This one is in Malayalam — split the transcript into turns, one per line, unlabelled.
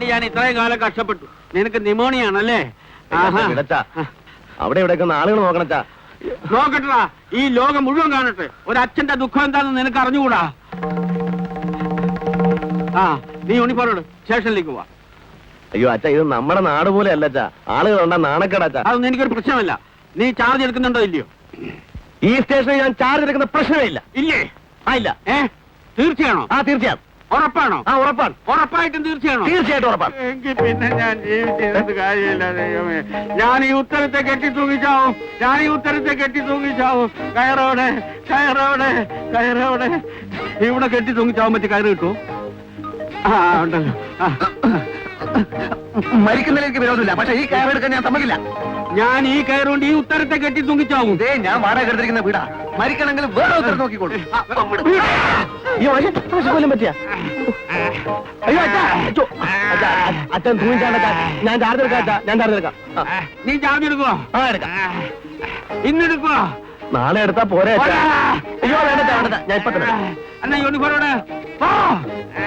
ചെയ്യാൻ ഇത്രയും കാലം കഷ്ടപ്പെട്ടു. നിനക്ക് നിമോണിയ ആണല്ലേ?
അവിടെ ഇവിടെ ആളുകൾ നോക്കണച്ചാ.
നോക്കട്ടാ, ഈ ലോകം മുഴുവൻ കാണട്ടെ. ഒരച്ഛന്റെ ദുഃഖം എന്താണെന്ന് നിനക്ക് അറിഞ്ഞുകൂടാ. ആ, നീ യൂണിഫോം സ്റ്റേഷനിലേക്ക് പോവാ.
അയ്യോ അച്ഛാ, ഇത് നമ്മുടെ നാട് പോലെ അല്ലച്ചാ. ആളുകൾ ഉണ്ടാ നാണക്കേടാച്ചാ.
അതൊന്നും എനിക്കൊരു പ്രശ്നമല്ല. നീ ചാർജ് എടുക്കുന്നുണ്ടോ ഇല്ലയോ?
ഈ സ്റ്റേഷനിൽ ഞാൻ ചാർജ് എടുക്കുന്ന പ്രശ്നമേ ഇല്ല.
ഇല്ലേ?
ആ ഇല്ല.
തീർച്ചയാണോ?
ആ തീർച്ചയാണ്.
ഉറപ്പാണോ?
ആ ഉറപ്പാണ്.
ഉറപ്പായിട്ടും തീർച്ചയാണോ?
തീർച്ചയായിട്ടും ഉറപ്പാണ്.
എങ്കിൽ പിന്നെ ഞാൻ ജീവിച്ചിരുന്നത് കാര്യമില്ല ദൈവമേ. ഞാൻ ഈ ഉത്തരത്തെ കെട്ടി തൂങ്ങിച്ചാവും. കയറോടെ ഇവിടെ കെട്ടി തൂങ്ങിച്ചാവും. പറ്റി കയറ് കിട്ടുമോ? ആ ഉണ്ടല്ലോ.
മരിക്കുന്നതിലേക്ക് വിരോധമില്ല, പക്ഷെ ഈ കയറെടുക്കാൻ ഞാൻ സമ്മതിക്കില്ല.
ഞാൻ ഈ കയറുകൊണ്ട് ഈ ഉത്തരത്തെ കെട്ടി തൂങ്ങിച്ചാവും.
ഞാൻ വാടക എടുത്തിരിക്കുന്ന വീടാ. മരിക്കണമെങ്കിൽ വേറെ ഉത്തരം നോക്കിക്കോളൂ. പറ്റിയ അയ്യോ അച്ഛൻ തൂങ്ങിച്ചാണ്ടാ. ഞാൻ ചാർജ് എടുക്കാം.
നീ ചാർജ് എടുക്കുവോ?
ആ എടുക്കാം.
ഇന്നെടുക്കുവോ?
നാളെ എടുത്താ പോരെ. അയ്യോ വേണ്ട, ഞാൻ ഇപ്പൊ തന്നെ.
എന്നാ യൂണിഫോം